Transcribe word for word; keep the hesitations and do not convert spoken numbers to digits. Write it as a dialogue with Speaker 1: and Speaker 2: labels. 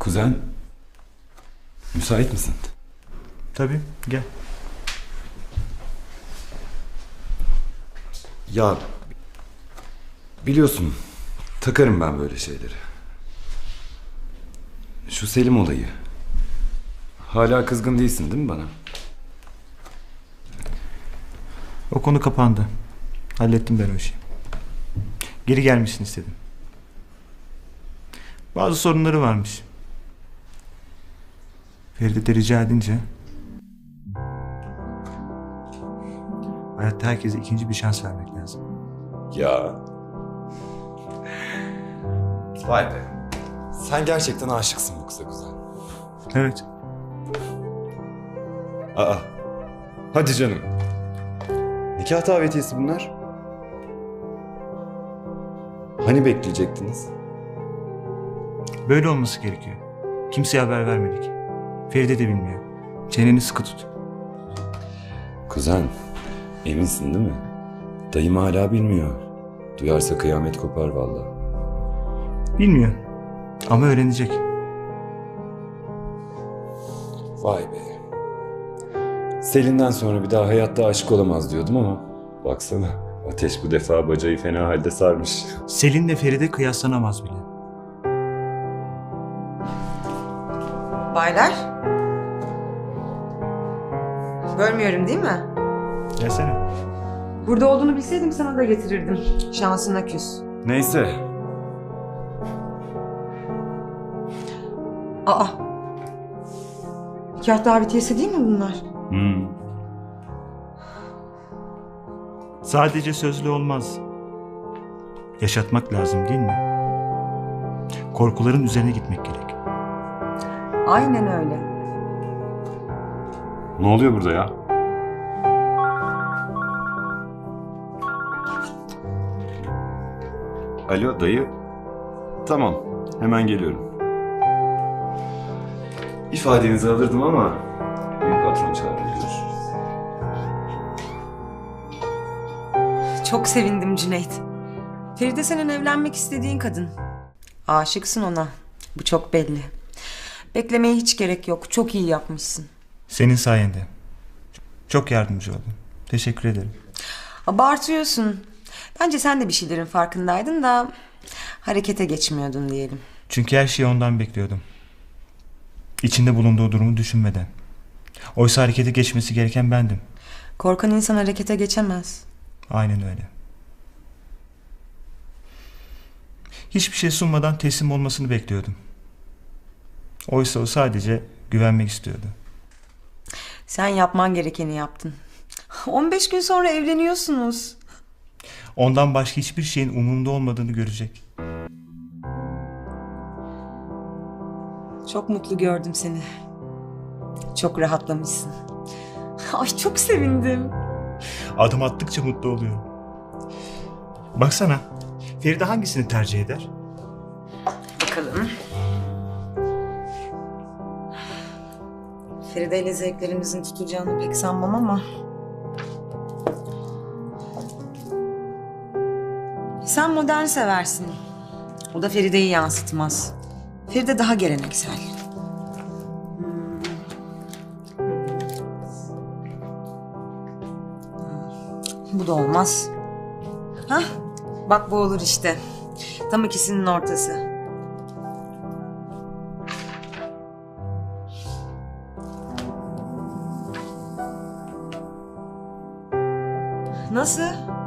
Speaker 1: Kuzen, müsait misin?
Speaker 2: Tabii, gel.
Speaker 1: Ya, biliyorsun, takarım ben böyle şeyleri. Şu Selim olayı. Hala kızgın değilsin değil mi bana?
Speaker 2: O konu kapandı. Hallettim ben o işi. Geri gelmişsin istedim. Bazı sorunları varmış. Feride de rica edince... Hayatta herkese ikinci bir şans vermek lazım.
Speaker 1: Ya. Vay be. Sen gerçekten aşıksın bu kıza kuzen.
Speaker 2: Evet.
Speaker 1: Aa. Hadi canım. Nikah davetiyesi bunlar. Hani bekleyecektiniz?
Speaker 2: Böyle olması gerekiyor. Kimseye haber vermedik. Feride de bilmiyor. Çeneni sıkı tut.
Speaker 1: Kuzen, eminsin değil mi? Dayım hala bilmiyor. Duyarsa kıyamet kopar vallahi.
Speaker 2: Bilmiyor. Ama öğrenecek.
Speaker 1: Vay be. Selin'den sonra bir daha hayatta aşık olamaz diyordum ama baksana, Ateş bu defa bacayı fena halde sarmış.
Speaker 2: Selin'le Feride kıyaslanamaz bile.
Speaker 3: Baylar. Bölmüyorum değil mi?
Speaker 2: Gelsene.
Speaker 3: Burada olduğunu bilseydim sana da getirirdim. Şansına küs.
Speaker 1: Neyse.
Speaker 3: Aa. Nikah davetiyesi değil mi bunlar?
Speaker 1: Hmm.
Speaker 2: Sadece sözlü olmaz. Yaşatmak lazım değil mi? Korkuların üzerine gitmek gerek.
Speaker 3: Aynen öyle.
Speaker 1: Ne oluyor burada ya? Alo dayı. Tamam, hemen geliyorum. İfadenizi alırdım ama büyük patron çağırdı. Görüşürüz.
Speaker 3: Çok sevindim Cüneyt. Feride senin evlenmek istediğin kadın. Aşıksın ona. Bu çok belli. Beklemeye hiç gerek yok. Çok iyi yapmışsın.
Speaker 2: Senin sayende. Çok yardımcı oldun. Teşekkür ederim.
Speaker 3: Abartıyorsun. Bence sen de bir şeylerin farkındaydın da harekete geçmiyordun diyelim.
Speaker 2: Çünkü her şeyi ondan bekliyordum. İçinde bulunduğu durumu düşünmeden. Oysa harekete geçmesi gereken bendim.
Speaker 3: Korkan insan harekete geçemez.
Speaker 2: Aynen öyle. Hiçbir şey sunmadan teslim olmasını bekliyordum. Oysa o sadece güvenmek istiyordu.
Speaker 3: Sen yapman gerekeni yaptın. on beş gün sonra evleniyorsunuz.
Speaker 2: Ondan başka hiçbir şeyin umurumda olmadığını görecek.
Speaker 3: Çok mutlu gördüm seni. Çok rahatlamışsın. Ay çok sevindim.
Speaker 2: Adım attıkça mutlu oluyorum. Baksana, Feride hangisini tercih eder?
Speaker 3: Bakalım. Feride ile zevklerimizin tutacağını pek sanmam ama... Sen modern seversin. O da Feride'yi yansıtmaz. Feride daha geleneksel. Hmm. Bu da olmaz. Hah, bak bu olur işte. Tam ikisinin ortası. Nasıl?